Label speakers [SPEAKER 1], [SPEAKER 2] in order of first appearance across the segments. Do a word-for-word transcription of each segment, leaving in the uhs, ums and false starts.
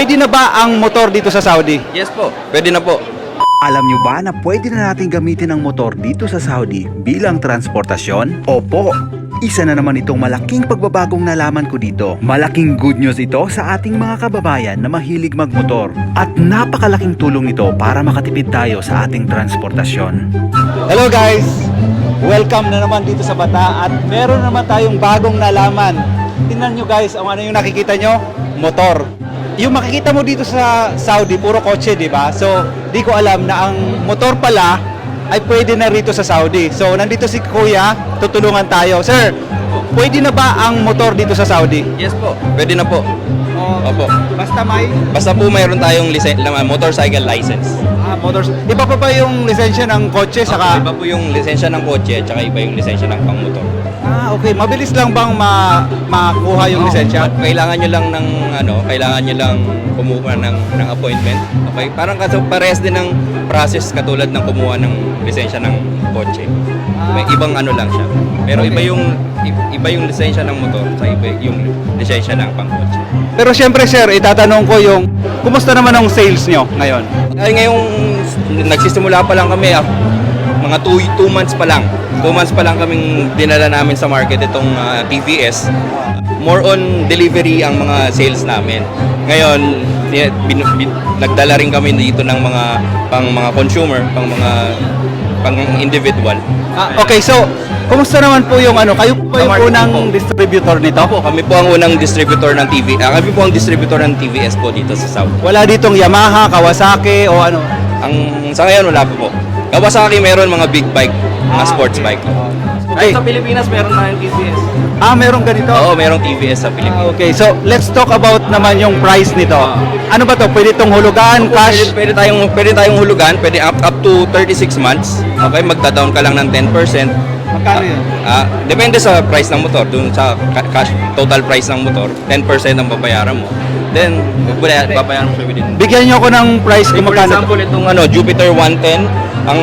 [SPEAKER 1] pwede na ba ang motor dito sa Saudi?
[SPEAKER 2] Yes po, pwede na po.
[SPEAKER 3] Alam nyo ba na pwede na natin gamitin ang motor dito sa Saudi bilang transportasyon? Opo! Isa na naman itong malaking pagbabagong nalaman ko dito. Malaking good news ito sa ating mga kababayan na mahilig magmotor. At napakalaking tulong ito para makatipid tayo sa ating transportasyon.
[SPEAKER 1] Hello guys! Welcome na naman dito sa Bata at meron naman tayong bagong nalaman. Tingnan nyo guys, ang ano yung nakikita nyo? Motor. Yung makikita mo dito sa Saudi, puro kotse, di ba? So, di ko alam na ang motor pala ay pwede na rito sa Saudi. So, nandito si Kuya, tutulungan tayo. Sir, pwede na ba ang motor dito sa Saudi?
[SPEAKER 2] Yes po, pwede na po.
[SPEAKER 1] Oh,
[SPEAKER 2] Opo.
[SPEAKER 1] basta may
[SPEAKER 2] Basta po mayroon tayong lisen- motorcycle license.
[SPEAKER 1] ah, motors. Iba pa ba yung lisensya ng kotse saka?
[SPEAKER 2] Iba po yung lisensya ng kotse at saka iba yung lisensya ng pangmotor.
[SPEAKER 1] Ah, okay. Mabilis lang bang ma makuha yung lisensya?
[SPEAKER 2] At kailangan nyo lang ng ano, kailangan nyo lang kumuha ng ng appointment. Okay? Parang kasi parehas din ng process katulad ng kumuha ng lisensya ng kotse. May ibang ano lang siya. Pero iba yung i- iba yung lisensya ng motor sa iba yung lisensya ng pangkotse.
[SPEAKER 1] Pero syempre sir, itatanong ko yung kumusta naman ang sales nyo ngayon?
[SPEAKER 2] Ay ngayong nagsisimula pa lang kami, ah, mga two months pa lang. two months pa lang kaming dinala namin sa market itong ah, T V S. More on delivery ang mga sales namin. Ngayon, ni- bin, bin, nagdala rin kami dito ng mga pang mga consumer, pang mga pang individual.
[SPEAKER 1] Ah, okay, so kumusta naman po yung ano? Kayo po
[SPEAKER 2] Sa
[SPEAKER 1] yung
[SPEAKER 2] market
[SPEAKER 1] unang
[SPEAKER 2] po.
[SPEAKER 1] distributor nito?
[SPEAKER 2] Opo, kami po ang unang distributor ng T V. Ah, kami po ang distributor ng T V S po dito sa South.
[SPEAKER 1] Wala ditong Yamaha, Kawasaki o ano?
[SPEAKER 2] Ang sa ngayon wala po po. Kawasaki meron mga big bike, mga
[SPEAKER 1] Ah,
[SPEAKER 2] sports
[SPEAKER 1] okay.
[SPEAKER 2] bike.
[SPEAKER 1] Ay,
[SPEAKER 2] Sa Pilipinas meron tayong T V S.
[SPEAKER 1] ah, meron ganito?
[SPEAKER 2] Oo, merong T V S sa
[SPEAKER 1] Ah,
[SPEAKER 2] Pilipinas.
[SPEAKER 1] okay, so let's talk about naman yung price nito. Ano ba to? Pwede itong hulugan, cash?
[SPEAKER 2] Pwede, pwede tayong pwede tayong hulugan, pwede up up to thirty-six months. Okay, magda-down ka lang ng ten percent.
[SPEAKER 1] Magkano yun?
[SPEAKER 2] Ah, depende sa price ng motor, dun sa ca- cash total price ng motor, ten percent ang babayaran mo. Then, bubaya- babayaran mo siya within.
[SPEAKER 1] Bigyan nyo ako ng price kung
[SPEAKER 2] For
[SPEAKER 1] magkano.
[SPEAKER 2] example, itong ano, Jupiter one ten, ang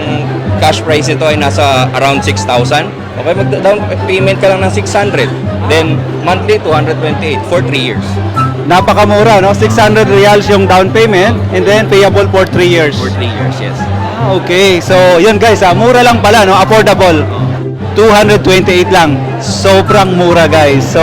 [SPEAKER 2] cash price nito ay nasa around six thousand. Okay, mag-down payment ka lang ng six hundred. Then, monthly two hundred twenty-eight for three years.
[SPEAKER 1] Napakamura, no? six hundred reals yung down payment and then payable for three years.
[SPEAKER 2] For three years, yes.
[SPEAKER 1] Ah, okay. So, yun guys, ah, mura lang pala, no? Affordable. two hundred twenty-eight lang. Sobrang mura, guys. So,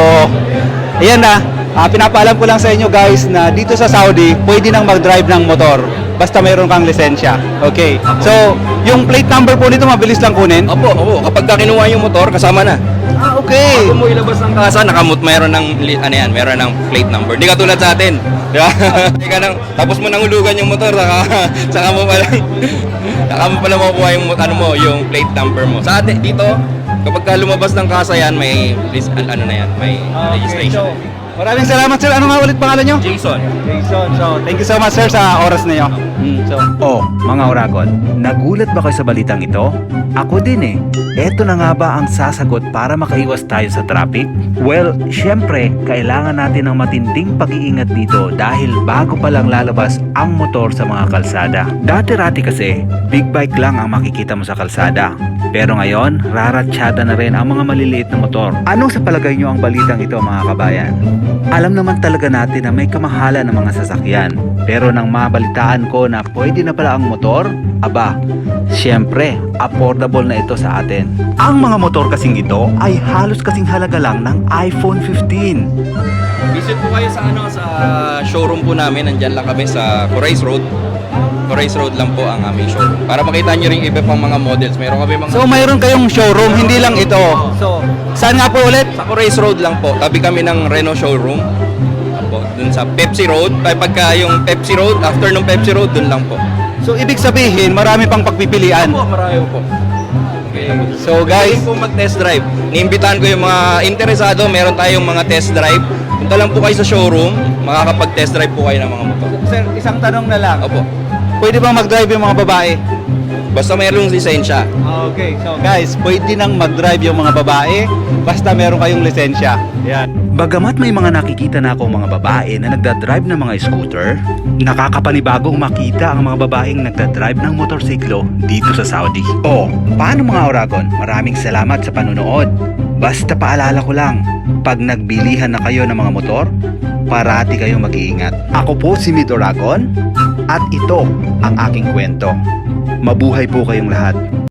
[SPEAKER 1] ayan na. Ah, pinapaalam ko lang sa inyo, guys, na dito sa Saudi, pwede nang mag-drive ng motor. Basta mayroon kang lisensya. Okay. So, yung plate number po nito, mabilis lang kunin.
[SPEAKER 2] Opo, opo. Kapag ka kinuha yung motor, kasama na.
[SPEAKER 1] Ah, okay.
[SPEAKER 2] Bago mo ilabas ng kasa, nakamut mayroon ng li- ano yan, mayroon ng plate number. Hindi katulad sa atin. Di ba? Hindi ka nang, tapos mo nang hulugan yung motor, saka, saka mo pala, saka mo pala makukuha yung, ano mo, yung plate number mo. Sa atin, dito, kapag ka lumabas ng kasa yan, may, lis- an- ano na yan, may registration.
[SPEAKER 1] Okay, so, maraming salamat, sir. Ano nga ulit pangalan nyo?
[SPEAKER 2] Jason.
[SPEAKER 1] Jason. So, thank you so much, sir, sa oras niyo. Mm, so,
[SPEAKER 3] Oh, mga Oragon, nagulat ba kayo sa balitang ito? Ako din eh. Eto na nga ba ang sasagot para makaiwas tayo sa traffic? Well, syempre, kailangan natin ng matinding pag-iingat dito dahil bago pa lang lalabas ang motor sa mga kalsada. Dati-rati kasi, big bike lang ang makikita mo sa kalsada. Pero ngayon, raratsyada na rin ang mga maliliit na motor. Anong sa palagay nyo ang balitang ito, mga kabayan? Alam naman talaga natin na may kamahalan ng mga sasakyan. Pero nang mabalitaan ko na pwede na pala ang motor, aba, syempre, affordable na ito sa atin. Ang mga motor kasing ito ay halos kasing halaga lang ng iPhone fifteen.
[SPEAKER 2] Visit po kayo sa ano sa showroom po namin. Nandiyan lang kami sa Corais Road. Corais Road lang po ang aming showroom. Para makita nyo rin iba pang mga models. Meron kami mga...
[SPEAKER 1] so mayroon kayong showroom, hindi lang ito. So, saan nga po ulit?
[SPEAKER 2] Sa Corais Road lang po. Tabi kami ng Renault showroom. Po, dun sa Pepsi Road. Ay pagka yung Pepsi Road, after ng Pepsi Road, dun lang po.
[SPEAKER 1] So, ibig sabihin, marami pang pagpipilian.
[SPEAKER 2] Po, marami po. Okay.
[SPEAKER 1] So, guys,
[SPEAKER 2] Pwede po mag-test drive. Niimbitahan ko yung mga interesado. Meron tayong mga test drive. Punta lang po kayo sa showroom. Makakapag-test drive po kayo ng mga motor.
[SPEAKER 1] sir, isang tanong na lang.
[SPEAKER 2] Opo.
[SPEAKER 1] Pwede bang mag-drive yung mga babae?
[SPEAKER 2] Basta mayroong lisensya.
[SPEAKER 1] Okay, so guys, pwede nang mag-drive yung mga babae basta meron kayong lisensya. Yan.
[SPEAKER 3] Bagamat may mga nakikita na akong mga babae na nagdadrive ng mga scooter, nakakapanibagong makita ang mga babaeng nagdadrive ng motorsiklo dito sa Saudi. O, paano mga Oragon? Maraming salamat sa panunood. Basta paalala ko lang, pag nagbilihan na kayo ng mga motor, parati kayong mag-iingat. Ako po si Mid Oragon at ito ang aking kwento. Mabuhay po kayong lahat.